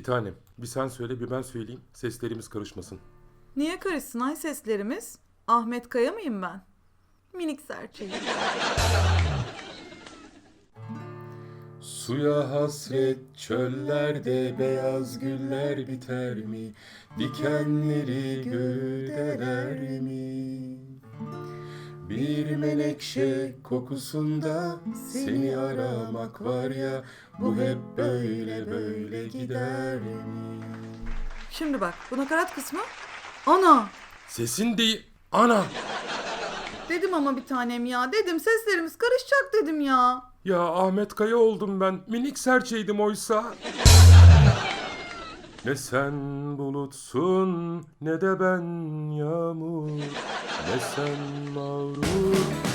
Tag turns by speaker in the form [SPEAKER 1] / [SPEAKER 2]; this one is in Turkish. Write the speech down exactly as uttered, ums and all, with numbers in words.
[SPEAKER 1] tanem, bir sen söyle bir ben söyleyeyim, seslerimiz karışmasın.
[SPEAKER 2] Niye karışsın ay seslerimiz? Ahmet Kaya mıyım ben? Minik serçeyim.
[SPEAKER 1] Suya hasret çöllerde beyaz güller biter mi? Dikenleri gövdeler mi? Bir menekşe kokusunda seni aramak var ya, bu hep böyle böyle gider mi?
[SPEAKER 2] Şimdi bak bu nakarat kısmı. Ana!
[SPEAKER 1] Sesin değil, ana!
[SPEAKER 2] Dedim ama bir tanem ya. Dedim seslerimiz karışacak dedim ya.
[SPEAKER 1] Ya Ahmet Kaya oldum ben, minik serçeydim oysa. Ne sen bulutsun ne de ben yağmur, ne sen mağrur